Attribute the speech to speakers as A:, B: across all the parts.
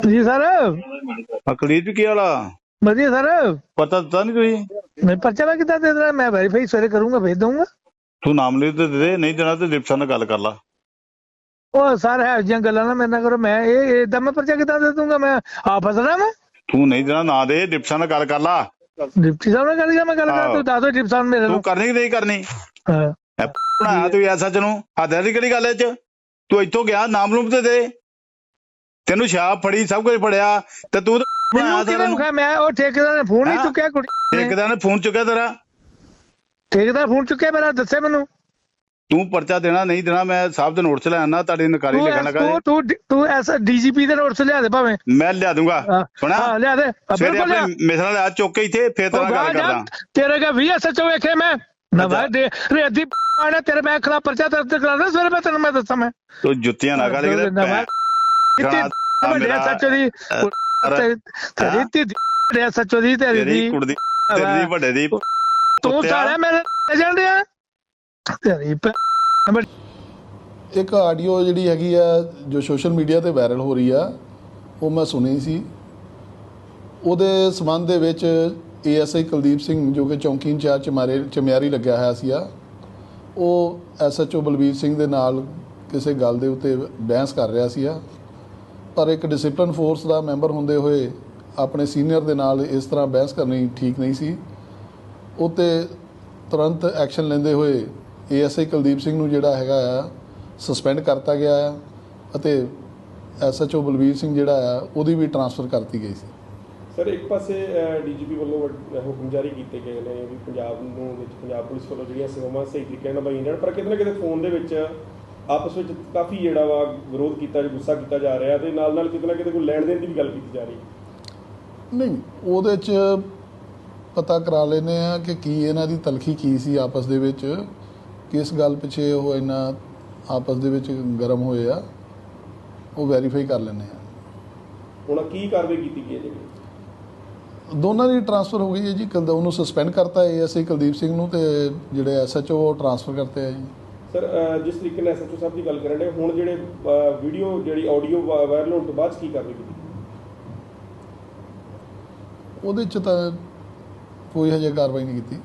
A: ਜੀ ਸਰ।
B: ਅਕਲੀਤ ਕੀ ਵਾਲਾ
A: ਵਧੀਆ ਸਰ।
B: ਪਤਾ ਦਿੱਤਾ ਨਹੀਂ ਤੁਸੀਂ?
A: ਮੈਂ ਪਰਚਾ ਵਾ ਕਿੱਦਾਂ ਦੇ ਦੇਣਾ? ਮੈਂ ਵੈਰੀਫਾਈ ਸਵੇਰੇ ਕਰੂੰਗਾ, ਭੇਜ ਦਊਂਗਾ।
B: ਤੂੰ ਨਾਮ ਲਿਖ ਤੇ ਦੇ, ਨਹੀਂ ਦੇਣਾ ਤੇ ਡਿਪਟੀ ਨਾਲ ਗੱਲ ਕਰ ਲਾ।
A: ਉਹ ਸਰ ਹੈ ਜਿਹੀਆਂ ਗੱਲਾਂ ਨਾ ਮੇਰੇ ਨਾਲ ਕਰੋ। ਮੈਂ ਇਹ ਏਦਾਂ ਮੈਂ ਪਰਚਾ ਕਿੱਦਾਂ ਦੇ ਦੂੰਗਾ? ਮੈਂ ਆਪ ਫਸਣਾ ਮੈਂ।
B: ਤੂੰ ਨਹੀਂ ਦੇਣਾ ਨਾ ਦੇ, ਡਿਪਟੀ ਨਾਲ ਗੱਲ ਕਰ ਲਾ।
A: ਡਿਪਟੀ ਸਾਹਿਬ ਨਾਲ ਗੱਲ ਕਰ, ਮੈਂ ਗੱਲ ਕਰਾਂ? ਤੂੰ ਦੱਸ ਦੋ ਡਿਪਟੀ ਸਾਹਿਬ ਮੇਰੇ
B: ਤੂੰ
A: ਨੂੰ।
B: ਕਰਨੀ ਕਿ ਨਹੀਂ ਕਰਨੀ?
A: ਹਾਂ।
B: ਬਣਾਇਆ ਤੂੰ ਐਸਾ ਨੂੰ ਹੱਦਾਂ ਦੀ ਕਿਹੜੀ ਗੱਲ ਐ ਚ? ਤੂੰ ਇੱਥੋਂ ਗਿਆ ਨਾਮ ਲੂਮ ਤੇ ਦੇ, ਤੈਨੂੰ ਸ਼ਾਪ ਫੜੀ ਸਭ ਕੁਝ ਫੜਿਆ ਤੇ ਤੂੰ ਬਣਾਇਆ ਸਾਰਾ ਨੂੰ।
A: ਮੈਂ ਉਹ ਠੇਕੇਦਾਰ ਨੇ ਫੋਨ ਨਹੀਂ ਚੁੱਕਿਆ। ਕੁੜੀ
B: ਠੇਕੇਦਾਰ ਨੇ ਫੋਨ ਚੁੱਕਿਆ ਤੇਰਾ?
A: ਠੇਕੇਦਾਰ ਫੋਨ ਚੁੱਕਿਆ ਮੇਰਾ? ਦੱਸੇ ਮੈਨੂੰ।
B: ਤੂੰ ਪਰਚਾ ਦੇਣਾ ਨਹੀਂ ਦੇਣਾ ਮੈਂ ਸਾਹਿਬ ਦੇ ਨੋਟ 'ਚ ਲੈ ਆਣਾ, ਤੁਹਾਡੀ ਨਕਾਰੀ ਲਿਖਣ ਲੱਗਾ।
A: ਤੂੰ ਐਸਾ ਡੀਜੀਪੀ ਦੇ ਨੋਟ 'ਚ ਲਿਆ ਦੇ ਭਾਵੇਂ।
B: ਮੈਂ ਲਿਆ ਦੂੰਗਾ। ਸੁਣਾ,
A: ਲਿਆ ਦੇ
B: ਸਵੇਰੇ ਆਪਣੇ ਮਿਸਰਾਂ ਲਿਆ ਚੁੱਕ ਕੇ ਇੱਥੇ, ਫੇਰ ਤੇਰਾ ਗੱਲ ਕਰਦਾ।
A: ਤੇਰੇ ਕਾ ਵੀ ਐਸਐਚਓ ਵੇਖੇ ਮੈਂ ਨਵਾਂ ਦੇ ਰੇਦੀ ਆਣਾ ਤੇਰੇ ਮੈਂ ਖਿਲਾਫ ਪਰਚਾ ਦਰਜ ਕਰਾਣਾ ਸਵੇਰੇ। ਮੈਂ ਤੈਨੂੰ ਮੈਂ ਦੱਸਾਂ। ਮੈਂ
B: ਤੂੰ ਜੁੱਤੀਆਂ ਨਾ ਕਰ ਕਿਤੇ
A: ਵੱਡੇ ਐਸਐਚਓ ਦੀ ਤੇਰੀ ਐਸਐਚਓ ਦੀ ਤੇਰੀ
B: ਕੁੜੀ ਤੇਰੀ ਵੱਡੇ ਦੀ
A: ਤੂੰ ਸਾਰਾ ਮੇਰੇ ਏਜੰਟ ਆ ਤੇਰੀ।
C: ਇੱਕ ਆਡੀਓ ਜਿਹੜੀ ਹੈਗੀ ਆ ਜੋ ਸੋਸ਼ਲ ਮੀਡੀਆ ਤੇ ਵਾਇਰਲ ਹੋ ਰਹੀ ਆ, ਉਹ ਮੈਂ ਸੁਣੀ ਸੀ। ਉਹਦੇ ਸੰਬੰਧ ਦੇ ਵਿੱਚ ਏਐਸਆਈ ਕੁਲਦੀਪ ਸਿੰਘ ਜੋ ਕਿ ਚੌਂਕੀ ਇੰਚਾਰਜ ਚਮਿਆਰੀ ਲੱਗਿਆ ਹੋਇਆ ਸੀ ਆ, ਉਹ ਐਸਐਚਓ ਬਲਬੀਰ ਸਿੰਘ ਦੇ ਨਾਲ ਕਿਸੇ ਗੱਲ ਦੇ ਉੱਤੇ ਬਹਿਸ ਕਰ ਰਿਹਾ ਸੀ ਆ। ਪਰ ਇੱਕ ਡਿਸਪਲਿਨ ਫੋਰਸ ਦਾ ਮੈਂਬਰ ਹੁੰਦੇ ਹੋਏ ਆਪਣੇ ਸੀਨੀਅਰ ਦੇ ਨਾਲ ਇਸ ਤਰ੍ਹਾਂ ਬਹਿਸ ਕਰਨੀ ਠੀਕ ਨਹੀਂ ਸੀ। ਉਹ 'ਤੇ ਤੁਰੰਤ ਐਕਸ਼ਨ ਲੈਂਦੇ ਹੋਏ ਏਐਸਆਈ ਕੁਲਦੀਪ ਸਿੰਘ ਨੂੰ ਜਿਹੜਾ ਹੈਗਾ ਆ ਸਸਪੈਂਡ ਕਰਤਾ ਗਿਆ ਆ ਅਤੇ ਐਸਐਚਓ ਬਲਬੀਰ ਸਿੰਘ ਜਿਹੜਾ ਆ ਉਹਦੀ ਵੀ ਟਰਾਂਸਫਰ ਕਰਤੀ ਗਈ ਸੀ।
D: ਸਰ, ਇੱਕ ਪਾਸੇ ਡੀਜੀਪੀ ਵੱਲੋਂ ਹੁਕਮ ਜਾਰੀ ਕੀਤੇ ਗਏ ਨੇ ਵੀ ਪੰਜਾਬ ਨੂੰ ਵਿੱਚ ਪੰਜਾਬ ਪੁਲਿਸ ਵੱਲੋਂ ਜਿਹੜੀਆਂ ਸੇਵਾਵਾਂ ਸਹੀ ਤਰੀਕੇ ਨਾਲ ਨਿਭਾਈਆਂ ਜਾਣ, ਪਰ ਕਿਤੇ ਨਾ ਕਿਤੇ ਫੋਨ ਦੇ ਵਿੱਚ ਆਪਸ ਵਿੱਚ ਕਾਫੀ ਜਿਹੜਾ ਵਾ ਵਿਰੋਧ ਕੀਤਾ, ਗੁੱਸਾ ਕੀਤਾ ਜਾ ਰਿਹਾ ਤੇ ਨਾਲ ਕਿਤੇ ਨਾ ਕਿਤੇ ਕੋਈ ਲੈਣ ਦੇਣ ਦੀ ਵੀ ਗੱਲ ਕੀਤੀ ਜਾ ਰਹੀ।
C: ਨਹੀਂ, ਉਹਦੇ 'ਚ ਪਤਾ ਕਰਾ ਲੈਂਦੇ ਆ ਕਿ ਕੀ ਇਹਨਾਂ ਦੀ ਤਲਖੀ ਕੀ ਸੀ ਆਪਸ ਦੇ ਵਿੱਚ, ਕਿਸ ਗੱਲ ਪਿੱਛੇ ਉਹ ਇੰਨਾ ਆਪਸ ਦੇ ਵਿੱਚ ਗਰਮ ਹੋਏ ਆ, ਉਹ ਵੈਰੀਫਾਈ ਕਰ ਲੈਂਦੇ ਆ।
D: ਹੁਣ ਕੀ ਕਾਰਵਾਈ ਕੀਤੀ ਗਈ ਹੈ ਜੀ?
C: ਦੋਨਾਂ ਦੀ ਟਰਾਂਸਫਰ ਹੋ ਗਈ ਹੈ ਜੀ। ਉਹਨੂੰ ਸਸਪੈਂਡ ਕਰਤਾ ਏਐਸਆਈ ਕੁਲਦੀਪ ਸਿੰਘ ਨੂੰ, ਤੇ ਜਿਹੜੇ ਐਸਐਚਓ ਉਹ ਟਰਾਂਸਫਰ ਕਰਤੇ ਆ ਜੀ।
D: ਸਰ, ਜਿਸ ਤਰੀਕੇ ਨਾਲ ਐਸਐਚਓ ਸਾਹਿਬ ਦੀ ਗੱਲ ਕਰਨ ਦੇ, ਹੁਣ ਜਿਹੜੇ ਵੀਡੀਓ ਜਿਹੜੀ ਆਡੀਓ ਵਾਇਰਲ ਹੋਣ ਤੋਂ ਬਾਅਦ ਕੀ ਕਾਰਵਾਈ ਕੀਤੀ?
C: ਉਹਦੇ 'ਚ ਤਾਂ ਕੋਈ ਹਜੇ ਕਾਰਵਾਈ ਨਹੀਂ ਕੀਤੀ।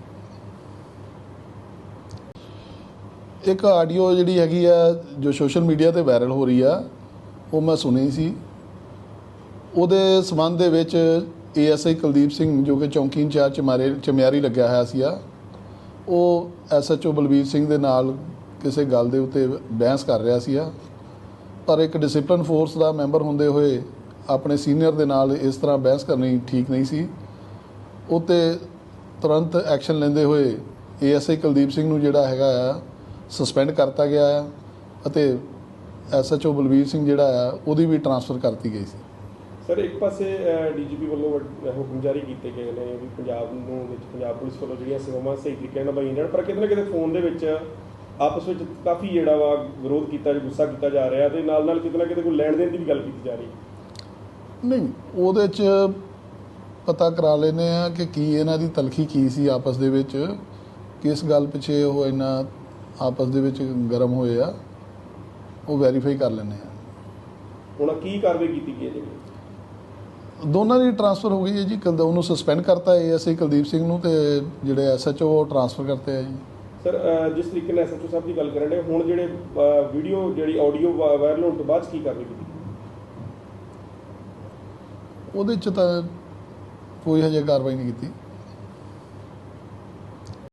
C: ਇੱਕ ਆਡੀਓ ਜਿਹੜੀ ਹੈਗੀ ਆ ਜੋ ਸੋਸ਼ਲ ਮੀਡੀਆ ਤੇ ਵਾਇਰਲ ਹੋ ਰਹੀ ਆ, ਉਹ ਮੈਂ ਸੁਣੀ ਸੀ। ਉਹਦੇ ਸੰਬੰਧ ਦੇ ਵਿੱਚ ਏਐਸਆਈ ਕੁਲਦੀਪ ਸਿੰਘ ਜੋ ਕਿ ਚੌਂਕੀ ਇੰਚਾਰਜ ਚਮਿਆਰੀ ਲੱਗਿਆ ਹੋਇਆ ਸੀ ਆ, ਉਹ ਐਸਐਚਓ ਬਲਬੀਰ ਸਿੰਘ ਦੇ ਨਾਲ ਕਿਸੇ ਗੱਲ ਦੇ ਉੱਤੇ ਬਹਿਸ ਕਰ ਰਿਹਾ ਸੀ ਆ। ਪਰ ਇੱਕ ਡਿਸਪਲਿਨ ਫੋਰਸ ਦਾ ਮੈਂਬਰ ਹੁੰਦੇ ਹੋਏ ਆਪਣੇ ਸੀਨੀਅਰ ਦੇ ਨਾਲ ਇਸ ਤਰ੍ਹਾਂ ਬਹਿਸ ਕਰਨੀ ਠੀਕ ਨਹੀਂ ਸੀ। ਉਹ 'ਤੇ ਤੁਰੰਤ ਐਕਸ਼ਨ ਲੈਂਦੇ ਹੋਏ ਏਐਸਆਈ ਕੁਲਦੀਪ ਸਿੰਘ ਨੂੰ ਜਿਹੜਾ ਹੈਗਾ ਆ ਸਸਪੈਂਡ ਕਰਤਾ ਗਿਆ ਆ ਅਤੇ ਐਸਐਚਓ ਬਲਬੀਰ ਸਿੰਘ ਜਿਹੜਾ ਆ ਉਹਦੀ ਵੀ ਟਰਾਂਸਫਰ ਕਰਤੀ ਗਈ ਸੀ।
D: ਸਰ, ਇੱਕ ਪਾਸੇ ਡੀਜੀਪੀ ਵੱਲੋਂ ਹੁਕਮ ਜਾਰੀ ਕੀਤੇ ਗਏ ਨੇ ਵੀ ਪੰਜਾਬ ਨੂੰ ਵਿੱਚ ਪੰਜਾਬ ਪੁਲਿਸ ਵੱਲੋਂ ਜਿਹੜੀਆਂ ਸੇਵਾਵਾਂ ਸਹੀ ਤਰੀਕੇ ਨਾਲ ਨਿਭਾਈਆਂ ਜਾਣ, ਪਰ ਕਿਤੇ ਨਾ ਕਿਤੇ ਫੋਨ ਦੇ ਵਿੱਚ ਆਪਸ ਵਿੱਚ ਕਾਫੀ ਜਿਹੜਾ ਵਾ ਵਿਰੋਧ ਕੀਤਾ, ਗੁੱਸਾ ਕੀਤਾ ਜਾ ਰਿਹਾ ਤੇ ਨਾਲ ਕਿਤੇ ਨਾ ਕਿਤੇ ਕੋਈ ਲੈਣ ਦੇਣ ਦੀ ਵੀ ਗੱਲ ਕੀਤੀ ਜਾ ਰਹੀ।
C: ਨਹੀਂ, ਉਹਦੇ 'ਚ ਪਤਾ ਕਰਾ ਲੈਂਦੇ ਆ ਕਿ ਕੀ ਇਹਨਾਂ ਦੀ ਤਲਖੀ ਕੀ ਸੀ ਆਪਸ ਦੇ ਵਿੱਚ, ਕਿਸ ਗੱਲ ਪਿੱਛੇ ਉਹ ਇੰਨਾ ਆਪਸ ਦੇ ਵਿੱਚ ਗਰਮ ਹੋਏ ਆ, ਉਹ ਵੈਰੀਫਾਈ ਕਰ ਲੈਂਦੇ ਆ।
D: ਹੁਣ ਕੀ ਕਾਰਵਾਈ ਕੀਤੀ ਗਈ ਹੈ ਜੀ?
C: ਦੋਨਾਂ ਦੀ ਟਰਾਂਸਫਰ ਹੋ ਗਈ ਹੈ ਜੀ। ਉਹਨੂੰ ਸਸਪੈਂਡ ਕਰਤਾ ਏਐਸਆਈ ਕੁਲਦੀਪ ਸਿੰਘ ਨੂੰ, ਤੇ ਜਿਹੜੇ ਐਸਐਚਓ ਉਹ ਟਰਾਂਸਫਰ ਕਰਤੇ ਆ ਜੀ।
D: ਸਰ, ਜਿਸ ਤਰੀਕੇ ਨਾਲ ਐਸਐਚਓ ਸਾਹਿਬ ਦੀ ਗੱਲ ਕਰਨ ਦੇ, ਹੁਣ ਜਿਹੜੇ ਵੀਡੀਓ ਜਿਹੜੀ ਆਡੀਓ ਵਾਇਰਲ ਹੋਣ ਤੋਂ ਬਾਅਦ ਕੀ ਕਾਰਵਾਈ ਕੀਤੀ?
C: ਉਹਦੇ 'ਚ ਤਾਂ ਕੋਈ ਹਜੇ ਕਾਰਵਾਈ ਨਹੀਂ ਕੀਤੀ।